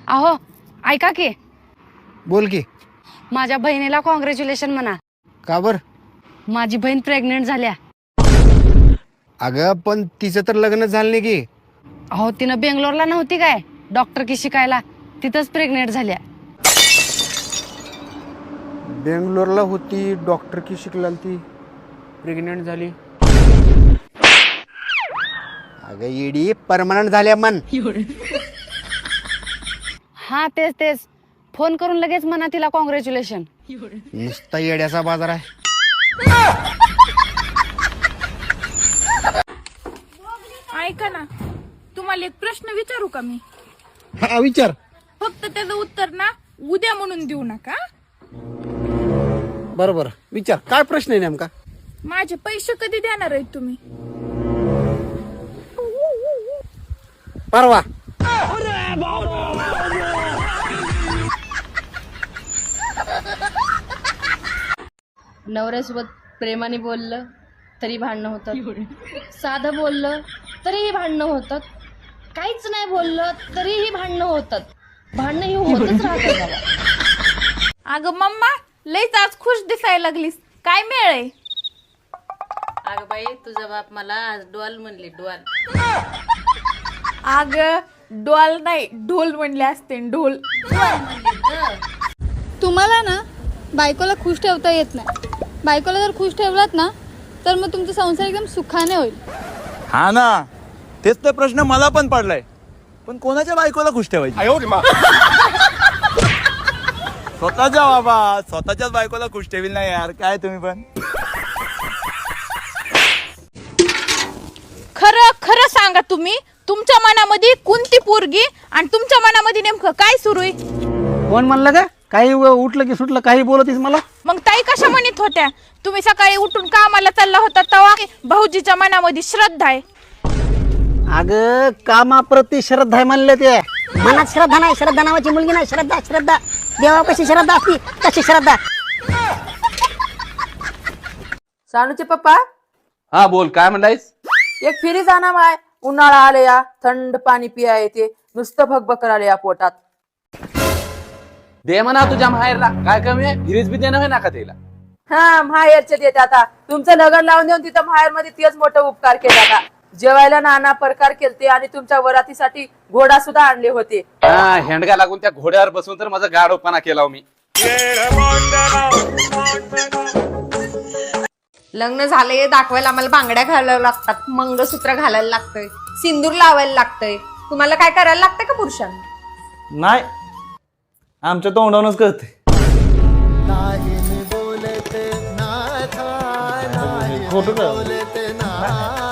अहो ऐका की, बोल की. माझ्या बहिणीला कॉंग्रॅच्युलेशन म्हणा. का बर? माझी बहीण प्रेग्नेंट झाल्या. अगं पण तिचं तर लग्न झालं नाही की. अहो तिनं बेंगलोरला नव्हती काय डॉक्टर की शिकायला, तिथंच प्रेग्नेंट झाल्या. बेंगलोरला होती, डॉक्टर की शिकला ती, प्रेग्नेंट झाली. अगं येडी परमनंट झाल्या मन. हा तेच तेच, फोन करून लगेच म्हणा तिला कॉंग्रॅच्युलेशन. नुसता येड्याचा बाजार आहे. ऐका ना, तुम्हाला एक प्रश्न विचारू का मी? हा विचार. फक्त त्याचं उत्तर ना उद्या म्हणून देऊ नका. बरोबर विचार, काय प्रश्न आहे नेमका? माझे पैसे कधी देणार आहेत तुम्ही? परवा. नवऱ्यासोबत प्रेमाने बोललं तरी भांडणं होतात, साधं बोललं तरीही भांडणं होतात, काहीच नाही बोललं तरीही भांडणं होतात. भांडणं ही होतच राहतात बाबा. अगं मम्मा, लईच आज खुश दिसायला लागलीस, काय मेळ आहे? अगं बाई, तुझा बाप मला आज डॉल म्हणले, डॉल. अगं डोल नाही, ढोल म्हणले असते, ढोल. तुम्हाला ना बायकोला खुश ठेवता येत नाही. बायकोला जर खुश ठेवलात ना तर मग तुमचा संसार एकदम सुखाने होईल. हा ना, तेच तर प्रश्न मला पण पडलाय. पण कोणाच्या बायकोला खुश ठेवायची? स्वतःच्या बाबा, स्वतःच्याच बायकोला खुश ठेवील नाही यार, काय तुम्ही पण. खरं खरं सांगा, तुम्ही तुमच्या मनामध्ये कोणती पोरगी आणि तुमच्या मनामध्ये नेमकं काय सुरू आहे? कोण म्हणलं का? काही उठलं की सुटलं काही बोलतीस मला. मग ताई कशा म्हणत होत्या? तुम्ही सकाळी उठून कामाला चालला होता तेव्हा भाऊजीच्या मनामध्ये श्रद्धा आहे. अगं कामाप्रती श्रद्धा आहे म्हणलं ते. मनात श्रद्धा नाही, श्रद्धा नावाची मुलगी नाही. श्रद्धा श्रद्धा देवापाशी श्रद्धा असती तशी श्रद्धा. सानूचे पप्पा, हा बोल, काय म्हणलायस? एक फिरी जाणार माय. उन्हाळा आले या, थंड पाणी पिया येते, नुसतं भगभग आले या पोटात. दे म्हणा तुझ्या माहेरला, काय कमी आहे? फिरीज बी देणं होय ना का तिला. हा माहेरचे देत आता. तुमचं लग्न लावून देऊन तिथं माहेर मध्ये तेच मोठं उपकार केला आता. जेवायला नाना प्रकार केलते आणि तुमच्या वरातीसाठी घोडा सुद्धा आणले होते. हा, हेंडगा लागून त्या घोड्यावर बसून तर माझा गाढवपणा केला मी. लग्न झालंय दाखवायला आम्हाला बांगड्या घालायला लागतात, मंगळसूत्र घालायला लागतंय, सिंदूर लावायला लागतंय. तुम्हाला काय करायला लागतंय का पुरुषांना? नाही, आमच्या तोंडावरूनच कळते. खोटं